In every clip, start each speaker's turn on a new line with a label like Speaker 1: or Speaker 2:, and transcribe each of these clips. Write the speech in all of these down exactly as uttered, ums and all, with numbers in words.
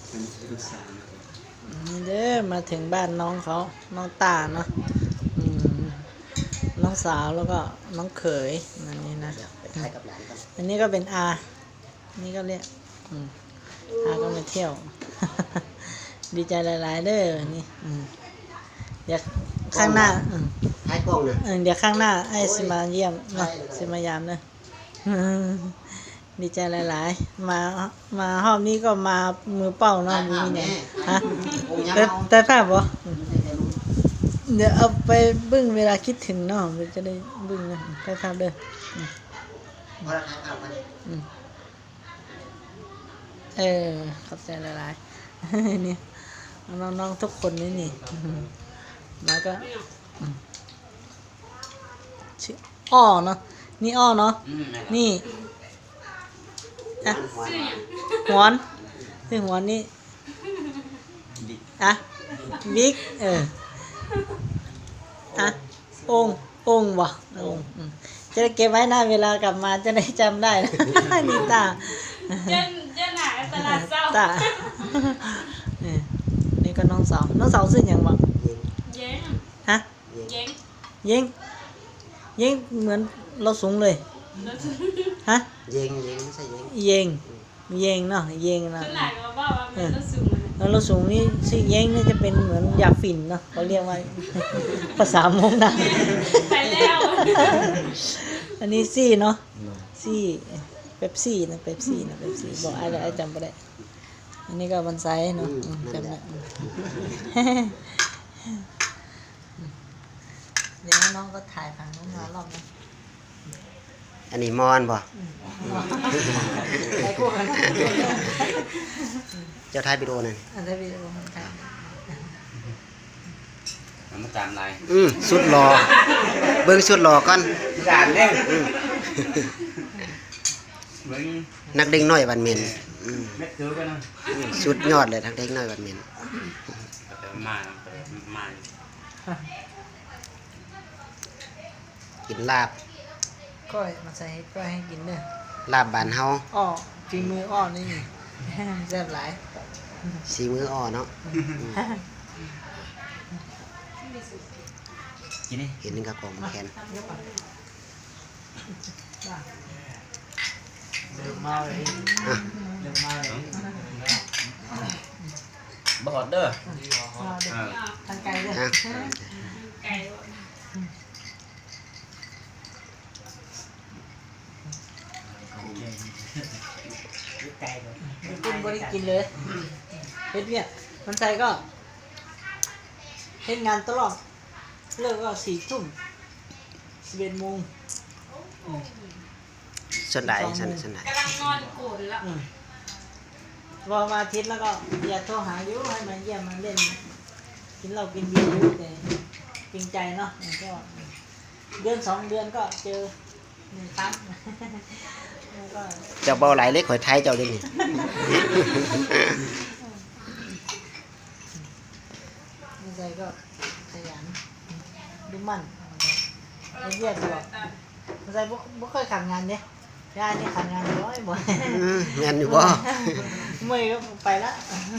Speaker 1: นี่เด้อมาถึงบ้านน้องเขาน้องตาเนาะอืมน้องสาวแล้วก็น้องเขยอันนี้นะอันนี้ก็เป็นอานี่ก็เรียกอืมอาก็มาเที่ยว ดีใจหลายๆเด้อนี่อืมเดี๋ยวข้างหน้าอืม
Speaker 2: ให้กล้องเลย
Speaker 1: เออเดี๋ยวข้างหน้าไอ้สิมาเยี่ยมเนาะสิมายามเนอะ ดีใจหลายๆมามาห้องนี้ก็มามือเป้าเนาะมีไงฮะแต่แต่ภาพบ่เดี๋ยวเอาไปเบึ้งเวลาคิดถึงเนาะมันจะได้เบึ้งนะแต่ภาพเด้ออืมเออขอบใจหลายๆ นี่น้องๆทุกคนนี่นี่มาก็ชื่ออ้อเนาะนี่อ้อเนาะนี่อะหวนนี่หวนนี่อะบิ๊กเอออะององวะองจะได้เก็บไว้นะเวลากลับมาจะได้จำได้นะนี่ตา
Speaker 3: เจ้าเจ้าหนาตลาดเศร้า
Speaker 1: ตานี่ก็น้องสาวน้องสาวชื่ออย่างวะ
Speaker 3: เย้ง
Speaker 1: ฮะ
Speaker 3: เย้ง
Speaker 1: เย้งเย้งเหมือนเราสูงเลยฮะ
Speaker 2: เย็งเย็งไม่ใช่เย็ง
Speaker 1: เย้งเย้งเนาะเย้งเนาะ
Speaker 3: เจ้าหนาก็บอกว่ามันต้องสูง
Speaker 1: แล้วเราสูงนี่ชื่อเย้งนี่จะเป็นเหมือนยาฝิ่นเนาะเขาเรียกว่า ภาษามงนะ
Speaker 3: ไปแล้ว
Speaker 1: อันนี้ซี่เนาะซี่เป๊ปซี่นะเป๊ปซี่นะเป๊ปซี่บอกไอ้ไอ้จำไม่ได้อันนี้ก็บันไซเนาะจำได้เดี๋ยวน้องก็ถ่ายฝั่งนู้นมารอบนึง
Speaker 2: อันนี้มอนบ่
Speaker 1: ถ่ายคู่กัน
Speaker 2: เจ้าท้ายวิดีโอนั่น
Speaker 1: อันนี้วิดีโอมันถ่าย
Speaker 4: มันมาตามลาย
Speaker 2: อืมสุดหล่อเบิ่งสุดหล่อก่อน
Speaker 4: ด่านเล่น
Speaker 2: อืม
Speaker 4: เบิ้ง
Speaker 2: นักเด้งน้อยบันเมนอืม
Speaker 4: เม็ดเถือไปนะ
Speaker 2: อืมสุดยอดเลยนักเด้งน้อยบันเมน
Speaker 4: แต่มามา
Speaker 2: กินลาบ
Speaker 1: ก้อยมาใส่ให้ก้อยให้กินเด้อ
Speaker 2: ลาบบานเฮา
Speaker 1: อ้อฝีมืออ้อนี่แซ่บหลาย
Speaker 2: สีมืออ่อเนาะ
Speaker 4: กินนี่
Speaker 2: เห็นนึงกับกองแขน
Speaker 1: เดือดมาเลย
Speaker 2: อ่ะ
Speaker 1: เดือดมาเลย
Speaker 4: บอดเด้อ
Speaker 1: มาเดือดทางไกลเลย
Speaker 2: อ่ะ
Speaker 3: ไก่
Speaker 1: กินบริกินเลยเฮ็ดเนี่ยมันใส่ก็เฮ็ดงานตลอดเลิกก็สี่ทุ่มสิบเอ็ดโมง
Speaker 2: ส่วนใดส่วนส่วนใด
Speaker 3: กำลังนอนโกรธแล้ว
Speaker 1: อืมพอมาอาทิตย์แล้วก็อย่าโทรหาอยู่ให้มาเยี่ยมมาเล่น กินเหล้ากินเบียร์อยู่แต่จริงใจเนาะมันก็เดือนสองเดือนก็เจอหนึ่งครั้งแล้วก็
Speaker 2: เจ้าเบาไหลเล็กข่อยไทยเจ้าเด้นี่
Speaker 1: ไม่ใจก็ขยันดูมั่นไอ้เหี้ยตัวไม่ใจบ่เคยขัดงานเนี่ยยายนี่ขัดงานร้อยบ่
Speaker 2: อืมแม่นอยู่บ่
Speaker 1: เมื่อยก็ไปละ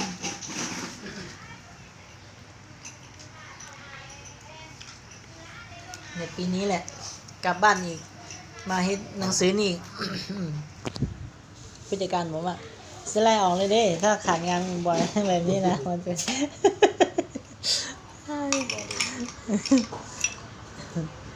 Speaker 1: ในปีนี้แหละกลับบ้านอีกมาเฮ็ดหนังสือนี่ ผู้จัดการบอกว่าสไลด์ออกเลยเด้ถ้าขาดงานบ่อยแบบนี้นะมันเป็น